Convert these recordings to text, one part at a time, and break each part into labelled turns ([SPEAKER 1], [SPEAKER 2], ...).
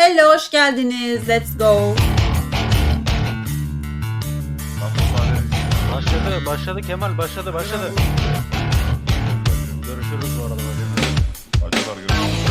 [SPEAKER 1] Hello, hoş geldiniz. Let's go.
[SPEAKER 2] Başladı Kemal, başladı. Görüşürüz bu arada.
[SPEAKER 3] Acılar görüşürüz.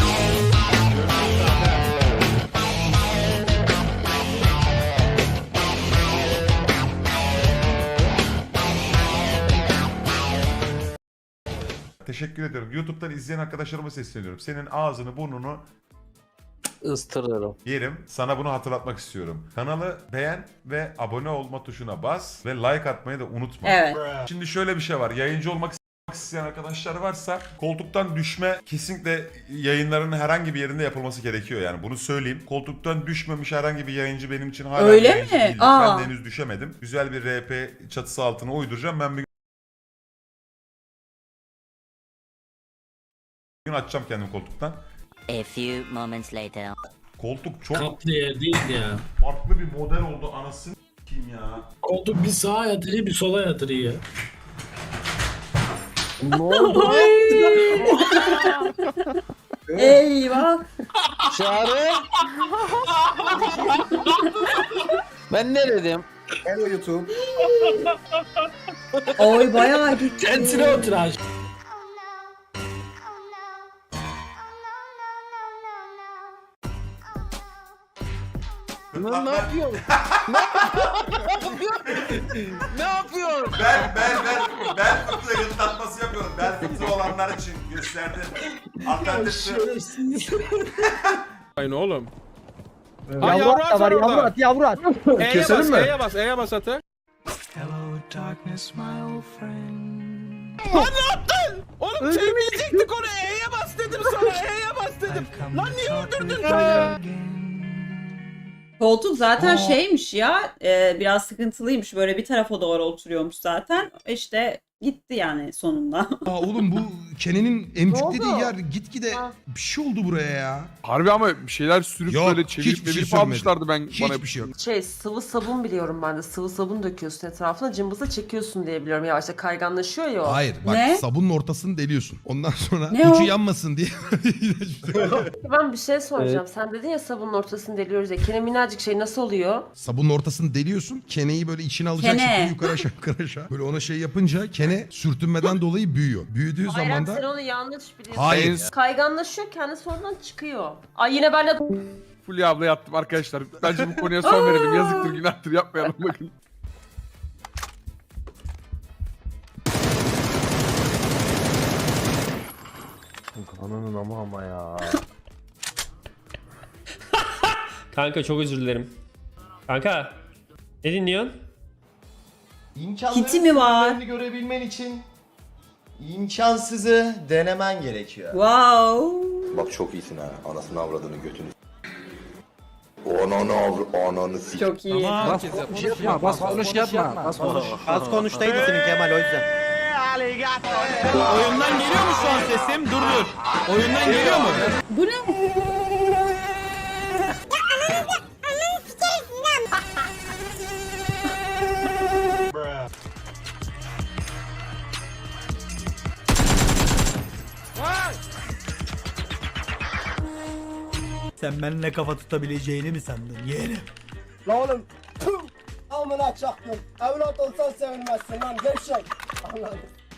[SPEAKER 3] Teşekkür ediyorum. YouTube'dan izleyen arkadaşlarıma sesleniyorum. Senin ağzını, burnunu
[SPEAKER 2] Istırırım.
[SPEAKER 3] yerim. Sana bunu hatırlatmak istiyorum. Kanalı beğen ve abone olma tuşuna bas ve like atmayı da unutma.
[SPEAKER 1] Evet.
[SPEAKER 3] Şimdi şöyle bir şey var. Yayıncı olmak isteyen arkadaşlar varsa koltuktan düşme kesinlikle yayınların herhangi bir yerinde yapılması gerekiyor, yani bunu söyleyeyim. Koltuktan düşmemiş herhangi bir yayıncı benim için hala
[SPEAKER 1] Öyle
[SPEAKER 3] bir yayıncı
[SPEAKER 1] mi?
[SPEAKER 3] değildir.
[SPEAKER 1] Aa.
[SPEAKER 3] Ben de henüz düşemedim. Güzel bir RP çatısı altına uyduracağım. Ben bir gün açacağım kendimi koltuktan.
[SPEAKER 4] A few moments later.
[SPEAKER 3] Koltuk çok
[SPEAKER 5] Kaplı yer değil ya.
[SPEAKER 3] farklı bir model oldu, anasını s**eyim ya.
[SPEAKER 5] Koltuk bir sağa yatırıyor bir sola yatırıyor ya.
[SPEAKER 2] Ne oldu?
[SPEAKER 1] Eyvah.
[SPEAKER 2] Çağrı. Ben ne dedim?
[SPEAKER 6] Hello YouTube.
[SPEAKER 1] Oy bayağı gitti.
[SPEAKER 5] Kendine otur aç.
[SPEAKER 2] Ne yapıyorsun? Ne yapıyorsun?
[SPEAKER 3] Ben fıtığı gırtlatması yapıyorum. Ben fıtığı olanlar için gösterdim. Alternatif.
[SPEAKER 7] Aynı oğlum.
[SPEAKER 6] Yavru at da var, yavru at.
[SPEAKER 7] Keselim mi? E'ye bas atı. Lan ne yaptın? Oğlum çevirecektik onu. E'ye bas dedim sana. E'ye bas dedim. Lan niye öldürdün sen?
[SPEAKER 1] Koltuk zaten şeymiş ya. Biraz sıkıntılıymış. Böyle bir tarafa doğru oturuyormuş zaten. İşte gitti yani sonunda.
[SPEAKER 8] Aa oğlum bu Kenan'ın emciklediği yer gitgide bir şey oldu buraya ya.
[SPEAKER 7] Harbi ama bir şeyler sürüp
[SPEAKER 8] Yok,
[SPEAKER 7] böyle
[SPEAKER 8] hiçbir
[SPEAKER 7] çevirip
[SPEAKER 8] şey
[SPEAKER 7] verip
[SPEAKER 8] sürmedi.
[SPEAKER 7] almışlardı bana.
[SPEAKER 8] Hiçbir şey yok.
[SPEAKER 9] Sıvı sabun biliyorum ben de. Sıvı sabun döküyorsun etrafına, cımbızla çekiyorsun diye biliyorum. Yavaşça kayganlaşıyor ya o.
[SPEAKER 8] Hayır bak,
[SPEAKER 1] Ne?
[SPEAKER 8] sabunun ortasını deliyorsun. Ondan sonra
[SPEAKER 1] Ne
[SPEAKER 8] ucu
[SPEAKER 1] o?
[SPEAKER 8] yanmasın diye.
[SPEAKER 9] Ben bir şey soracağım. Sen dedin ya sabunun ortasını deliyoruz ya. Kene minnacık şey nasıl oluyor?
[SPEAKER 8] Sabunun ortasını deliyorsun. Keneyi böyle içine alacak
[SPEAKER 1] Kene.
[SPEAKER 8] şekilde yukarı aşağı yukarı aşağı. Böyle ona şey yapınca kene sürtünmeden dolayı büyüyor. Büyüdüğü
[SPEAKER 9] Hayır
[SPEAKER 8] zaman
[SPEAKER 9] sen
[SPEAKER 8] da
[SPEAKER 9] onu yanlış biliyorsun.
[SPEAKER 8] hayır.
[SPEAKER 9] Kayganlaşıyor, kendisi oradan çıkıyor. Ay yine benle...
[SPEAKER 7] Fulya abla yattım arkadaşlar. Bence bu konuya son verelim. Yazıktır günahtır yapmayalım bakın.
[SPEAKER 2] Ananın ama ya.
[SPEAKER 10] Kanka çok özür dilerim. Kanka ne dinliyorsun?
[SPEAKER 1] Kiti mi var?
[SPEAKER 6] İmkanları görebilmen için imkansızı denemen gerekiyor.
[SPEAKER 1] Wow.
[SPEAKER 11] Bak çok iyisin ha. Anasını avradını götünü. Ananı s***.
[SPEAKER 1] Çok iyi.
[SPEAKER 2] Bas konuş yapma.
[SPEAKER 6] Az konuştaydı senin Kemal, o yüzden.
[SPEAKER 7] Oyundan geliyor mu şu an sesim? Dur. Oyundan geliyor mu?
[SPEAKER 1] Bu ne?
[SPEAKER 6] Sen benimle kafa tutabileceğini mi sandın yeğenim?
[SPEAKER 11] La oğlum. Amına çaktım. Evlat olsan sevinmezsin lan. Gevşek. Anladım.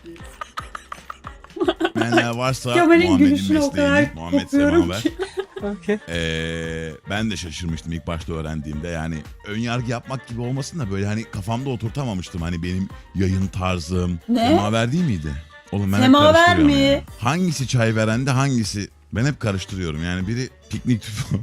[SPEAKER 12] Ben varsa
[SPEAKER 1] Kemal'in
[SPEAKER 12] Muhammed'in
[SPEAKER 1] gülüşünü o kadar
[SPEAKER 12] mesleğini, Muhammed
[SPEAKER 1] kopuyorum
[SPEAKER 12] Semaver.
[SPEAKER 1] ki.
[SPEAKER 12] Ben de şaşırmıştım ilk başta öğrendiğimde. Yani ön yargı yapmak gibi olmasın da böyle hani kafamda oturtamamıştım. Hani benim yayın tarzım.
[SPEAKER 1] Ne?
[SPEAKER 12] Semaver değil miydi? Oğlum ben hep
[SPEAKER 1] Semaver
[SPEAKER 12] karıştırıyorum
[SPEAKER 1] mi?
[SPEAKER 12] yani. Hangisi çay verende hangisi? Ben hep karıştırıyorum. Yani biri piknik tüpü.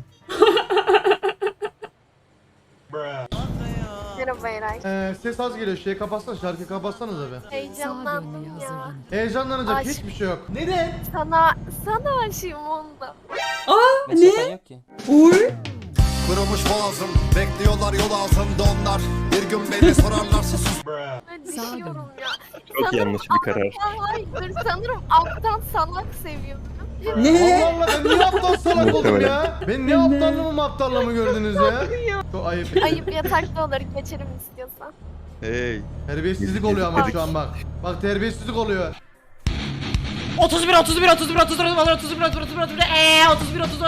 [SPEAKER 11] Merhaba Eray.
[SPEAKER 6] Ses az geliyor, şeyi kapatsana, şarkıyı kapatsanıza be.
[SPEAKER 11] Heyecanlandım ya.
[SPEAKER 6] Heyecanlanacak
[SPEAKER 11] Aşk.
[SPEAKER 6] hiçbir şey yok. Neden?
[SPEAKER 11] Sana aşığım onda.
[SPEAKER 1] Aa ne? Uy.
[SPEAKER 11] Kırılmış boğazım. Bekliyorlar yol altında onlar. Bir gün beni sorarlarsa sus.
[SPEAKER 9] Ben düşüyorum ya.
[SPEAKER 10] Çok yanlış bir karar.
[SPEAKER 11] Hayır, sanırım aptal salak seviyordum.
[SPEAKER 1] Ne?
[SPEAKER 6] Allah Allah, ben niye aptal salak oldum ya? Ben ne aptallığımı aptallığımı gördünüz ya? Çok ayıp.
[SPEAKER 11] Ayıp yatakta olur, geçerim istiyorsan.
[SPEAKER 6] Terbiyesizlik oluyor ama şu an bak. Bak terbiyesizlik oluyor.
[SPEAKER 7] 31 31 31 31 31 31 31 31 31 31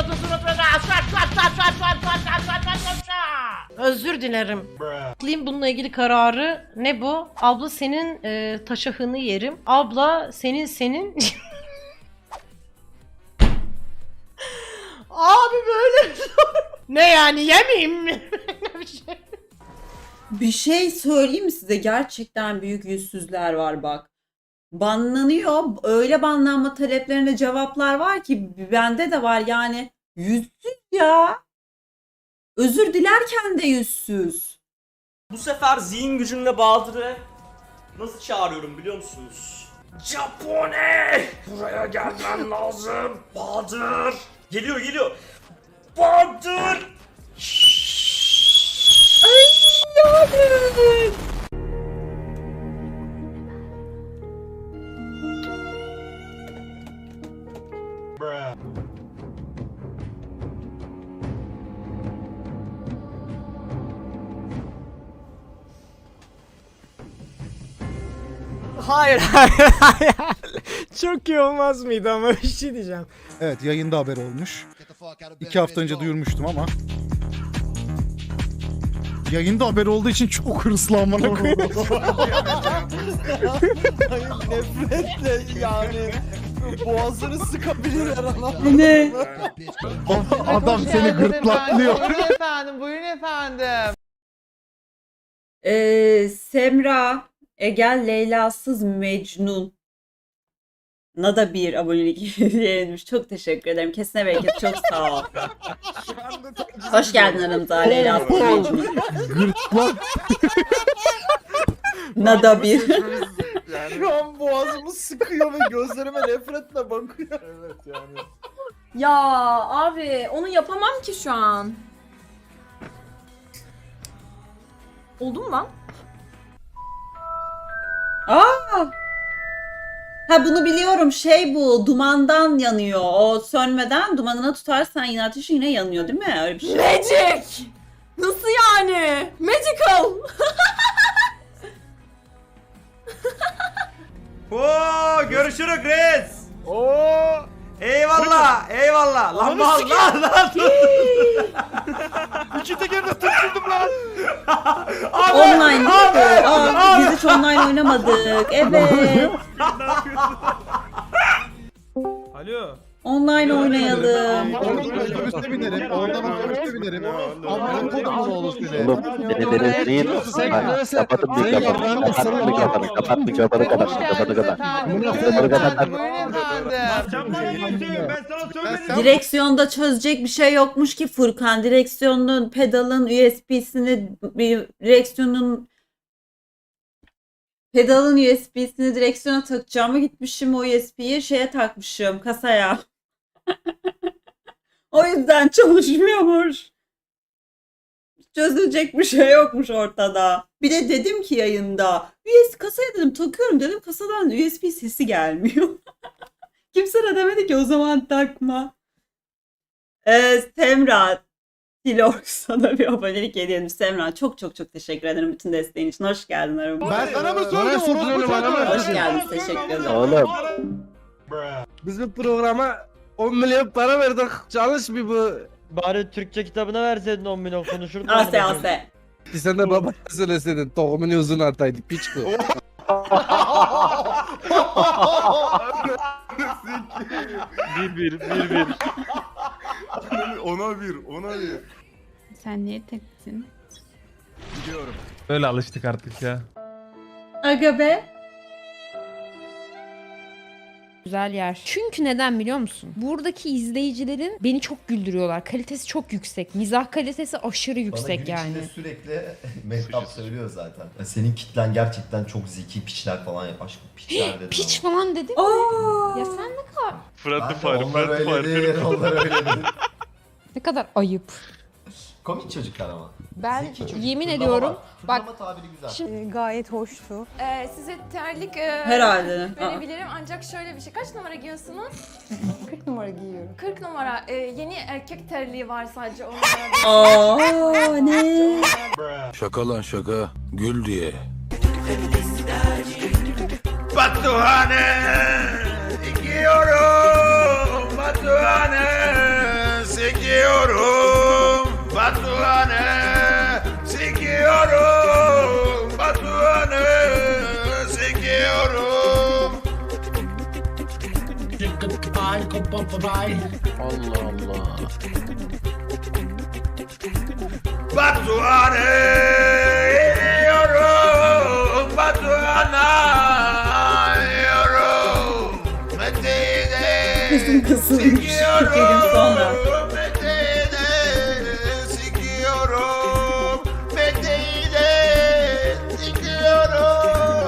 [SPEAKER 7] Özür dilerim. Alayım bununla ilgili kararı. Ne bu? Abla senin taşahını yerim. Abla senin Abi böyle ne yani yemeyeyim mi?
[SPEAKER 1] Bir şey söyleyeyim mi size? Gerçekten büyük yüzsüzler var bak. Banlanıyor. Öyle banlanma taleplerine cevaplar var ki bende de var yani. Yüzsüz ya. Özür dilerken de yüzsüz.
[SPEAKER 7] Bu sefer zihin gücümle Bahadır'ı nasıl çağırıyorum biliyor musunuz? Japone! Buraya gelmen lazım. Bahadır! Geliyor. Bahadır! Hayır. Çok iyi olmaz mıydı ama bir şey diyeceğim.
[SPEAKER 6] Evet yayında haber olmuş. 2 hafta önce duyurmuştum ama. Yayında haber olduğu için çok hırslı amına koyayım.
[SPEAKER 7] Nefretle yani. Boğazını sıkabilirler ama.
[SPEAKER 1] Ne?
[SPEAKER 6] Adam seni gırtlaklıyor.
[SPEAKER 7] Buyurun efendim.
[SPEAKER 1] Semra Egel Leyla'sız Mecnun. Nada bir abonelik hediye çok teşekkür ederim. Kesine bereket, çok sağ ol. Hoş geldin aramıza Leyla'sız Mecnun.
[SPEAKER 6] Gırtlak.
[SPEAKER 1] Nada bir.
[SPEAKER 7] Şu an boğazımı sıkıyor ve gözlerime nefretle bakıyor. Evet yani.
[SPEAKER 9] Ya abi onu yapamam ki şu an. Oldu mu lan?
[SPEAKER 1] Aa! Ha bunu biliyorum. Şey bu. Dumandan yanıyor. O sönmeden dumanına tutarsan yine ateşi yine yanıyor değil mi? Öyle bir şey.
[SPEAKER 9] Magic! Nasıl yani? Magical!
[SPEAKER 7] Oo, görüşürüz Chris. Oo. Eyvallah. Lan lan. İki tekerde tutturdum lan.
[SPEAKER 1] Online değil mi? Aa, biz hiç online oynamadık. Evet.
[SPEAKER 7] Alo.
[SPEAKER 1] Online oynayalım.
[SPEAKER 6] Otobüste binerim. Oradan otobüste binerim. Amına kodumun oğlu seni.
[SPEAKER 2] Oğlum beni değil. Kapat mikrofonunu
[SPEAKER 1] Direksiyonda çözecek bir şey yokmuş ki Furkan. Direksiyonun pedalın USB'sini pedalın USB'sini direksiyona takacağıma gitmişim, o USB'yi şeye takmışım, kasaya. O yüzden çalışmıyormuş. Çözülecek bir şey yokmuş ortada. Bir de dedim ki yayında kasaya dedim takıyorum dedim, kasadan USB sesi gelmiyor. Kimse de demedi ki o zaman takma. Semra Tilorg sana bir abonelik hediye etmiş. Semra çok teşekkür ederim bütün desteğin için. Hoş geldin aramıza.
[SPEAKER 6] Ben sana mı sordum?
[SPEAKER 1] Hoş geldin, teşekkür ederim.
[SPEAKER 2] Oğlum.
[SPEAKER 7] Biz bu programa 10 milyon para verdik. Çalış bir bu. Bari Türkçe kitabına verseydin 10 milyon konuşurdun.
[SPEAKER 1] Ase.
[SPEAKER 7] Sen de baba söyleseydin tohumunu uzun ataydık piç bu. Bir.
[SPEAKER 6] Ona bir.
[SPEAKER 9] Sen niye teksin?
[SPEAKER 2] Böyle alıştık artık ya.
[SPEAKER 1] Aga be.
[SPEAKER 9] Güzel yer. Çünkü neden biliyor musun? Buradaki izleyicilerin beni çok güldürüyorlar. Kalitesi çok yüksek. Mizah kalitesi aşırı yüksek yani.
[SPEAKER 11] Sürekli Mehtap söylüyor zaten. Senin kitlen gerçekten çok zeki, piçler falan yap. Aşkım piçler dedi.
[SPEAKER 9] Piç falan dedi.
[SPEAKER 1] Aa!
[SPEAKER 9] Ya sen ne kadar
[SPEAKER 11] Onlar öyledir.
[SPEAKER 9] ne kadar ayıp.
[SPEAKER 11] Komik çocuklar ama.
[SPEAKER 9] Ben
[SPEAKER 11] Zeki çocuk.
[SPEAKER 9] yemin
[SPEAKER 11] Turnama
[SPEAKER 9] ediyorum.
[SPEAKER 11] var.
[SPEAKER 9] Bak
[SPEAKER 11] Turnama tabiri güzel.
[SPEAKER 9] şimdi
[SPEAKER 13] Gayet hoştu.
[SPEAKER 9] size terlik
[SPEAKER 1] Herhalde.
[SPEAKER 9] verebilirim ancak şöyle bir şey. Kaç numara giyiyorsunuz?
[SPEAKER 13] 40 numara giyiyorum.
[SPEAKER 9] 40 numara. Yeni erkek terliği var sadece onlara.
[SPEAKER 1] Aa ne?
[SPEAKER 12] Şaka lan şaka. Gül diye.
[SPEAKER 7] Batuhane!
[SPEAKER 3] Sikiyorum Batuhan'ı. Sikiyorum Batuhan'ı. Sikiyorum.
[SPEAKER 5] Bye.
[SPEAKER 7] Allah Allah.
[SPEAKER 3] Batuhan'ı yiyorum. Batuhan'a yiyorum. Mete'yi de
[SPEAKER 1] Kızım kızılmış. 2 gün sonra.